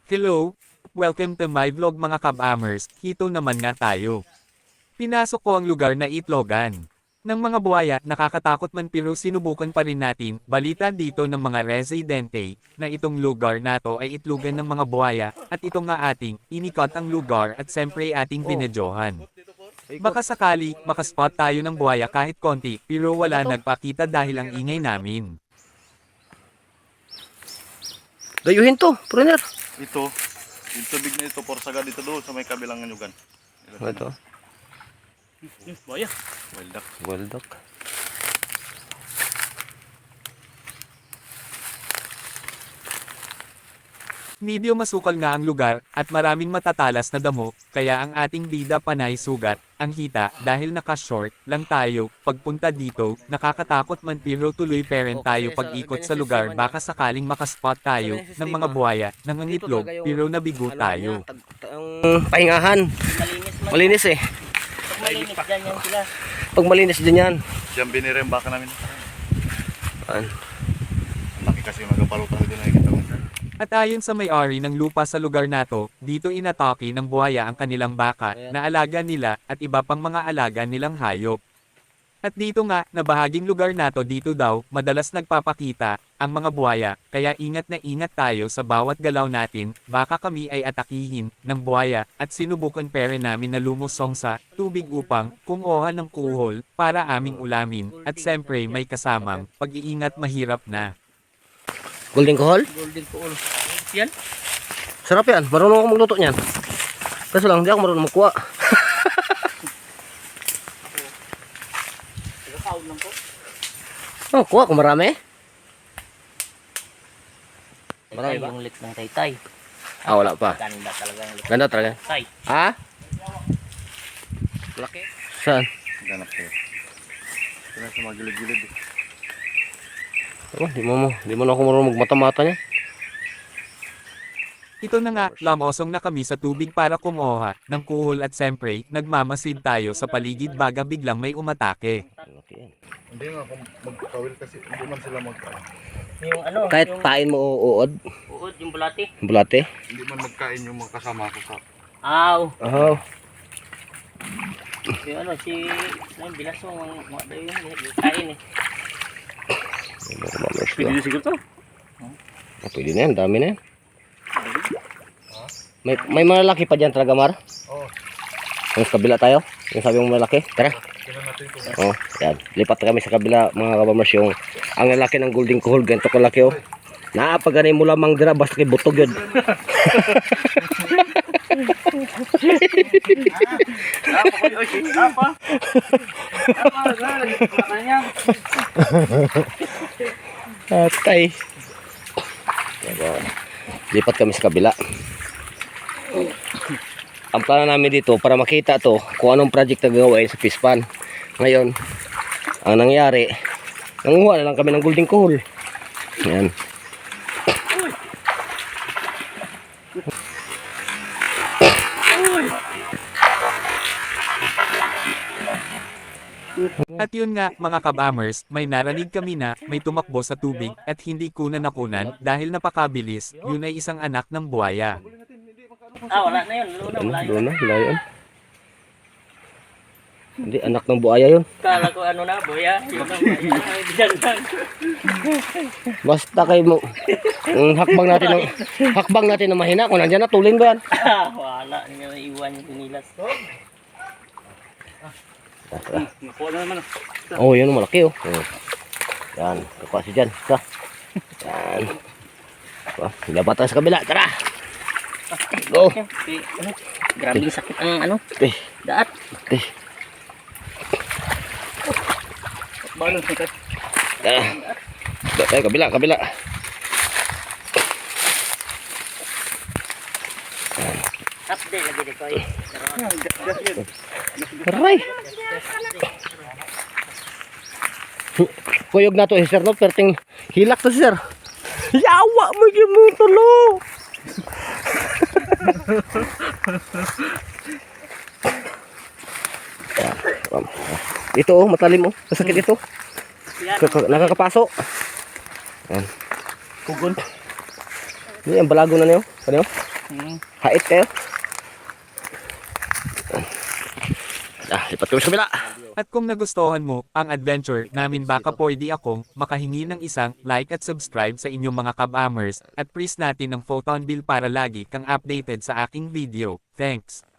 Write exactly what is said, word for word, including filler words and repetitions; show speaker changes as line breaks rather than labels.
Hello! Welcome to my vlog mga kabamers, hito naman nga tayo. Pinasok ko ang lugar na itlogan ng mga buhaya, nakakatakot man pero sinubukan pa rin natin. Balita dito ng mga residente na itong lugar na to ay itlogan ng mga buhaya at ito nga ating inikot ang lugar at siyempre ating binedyohan. Baka sakali makaspot tayo ng buhaya kahit konti pero wala nagpakita dahil ang ingay namin.
Dayuhin to, Pruner.
Ito, yung tubig na ito, porsaga dito doon sa may kabilang anyugan.
Ito.
Baya. Wild duck.
Wild duck.
Medyo masukal nga ang lugar at maraming matatalas na damo, kaya ang ating bida panay sugat ang hita dahil naka-short lang tayo. Pagpunta dito, nakakatakot man pero tuloy parent tayo pag-ikot sa lugar, baka sakaling makaspot tayo ng mga buhaya ng itlog pero nabigo tayo.
Ang pahingahan. Malinis eh.
Pag malinis dyan yan sila.
Pag malinis din yan.
Diyan binire yung baka namin.
An.
Laki kasi yung nagapalutang dito nakikita ko.
At ayon sa may-ari ng lupa sa lugar nato, dito inatake ng buhaya ang kanilang baka na alaga nila at iba pang mga alaga nilang hayop. At dito nga, na bahaging lugar nato dito daw, madalas nagpapakita ang mga buhaya, kaya ingat na ingat tayo sa bawat galaw natin, baka kami ay atakihin ng buhaya at sinubukan pere namin na lumusong sa tubig upang kumuha ng kuhol para aming ulamin at siyempre may kasamang pag-iingat mahirap na.
Golden kohol?
Golden pool. Yan.
Sarap yan. Marunong ako magluto niyan. Kaso lang, hindi ako marunong magkuha.
Nagkakaon lang po.
Oh, kuha ko marami.
Taytay
Marami ba?
yung lit ng taytay.
Ah, wala pa.
Ganda talaga yung lit ng
Ganda talaga.
taytay.
Ha? Laki. Saan?
Ganap ko. Ito na sa mga gilid-gilid. eh.
Oh, di mo mo. Di mo na ako marunong magmata-mata niya.
Ito na nga, lamosong na kami sa tubig para kumuha ng kuhol at siyempre, nagmamasid tayo sa paligid baga biglang may umatake.
Laki yan.
Hindi nga kung magkawil kasi hindi man sila mag
Yung ano,
Kahit
yung
tain mo uod,
uod, yung bulati.
bulate.
hindi man magkain yung mga kasama ko sa
Aw.
Oh.
Yung ano, si, yung bilasong, ang mga dayo yun, yung kain eh.
Pwede siguro to?
Oh, pwede na yan, dami na yan. May, may malalaki pa dyan talaga, Mar?
Oo.
Yung sa kabila tayo? Yung sabi mo malaki? Tara.
Kailan natin ito?
Oh, yan. Lipat kami sa kabila, mga kabamers, yung ang lalaki ng golden kohol, ganito kalaki oh. Naapaganay mo lamang dira, basta kay butog yun.
Apa? Apa?
Atay. Diba? Lipat kami sa kabila. Ang plano namin dito para makita to kung anong project na gagawin sa Pispan. Ngayon, ang nangyari, nanguha na lang kami ng golden kohol. Yan.
At yun nga, mga kabamers, may narinig kami na may tumakbo sa tubig at hindi kuna nakunan dahil napakabilis, yun ay isang anak ng buhaya.
Ah, wala na yun. Luna,
Ano?
wala yun.
Doon na, wala yun. Hindi, anak ng buhaya yun.
Kala ko ano na, boya. Yun ang ay, diyan lang.
Basta kayo mo, ang hakbang natin ng, hakbang natin na mahina, kung nandiyan na, tulin ba yan?
Ah, wala. Hindi na iwan yung sinilas. Nakuha na naman.
Oh, yun, malaki oh. Oh. Yan, kukuha si Jan. Sa. Yan. Oh, labat tayo sa kabila, tara! Go!
Okay, ano? Grabe yung sakit ang ano,
Eh,
daat.
eh.
Balon sakit.
Tara. Labat tayo, kabila, kabila.
Update lagi dito eh.
Aray! Kuyog na to eh, sir, no? Perting hilak to, sir. Yawa mo yung mo tulo! Ito oh, matalim oh. Masakit ito. Kaka- Nakakapaso. Yan.
Kugon.
Ini yang balago na niyo. Ano?
Hmm.
Hait kayo. Ah, lipat kami sa kabila.
At kung nagustuhan mo ang adventure namin baka pwede akong makahingi ng isang like at subscribe sa inyong mga kabamers at press natin ang photon bill para lagi kang updated sa aking video. Thanks!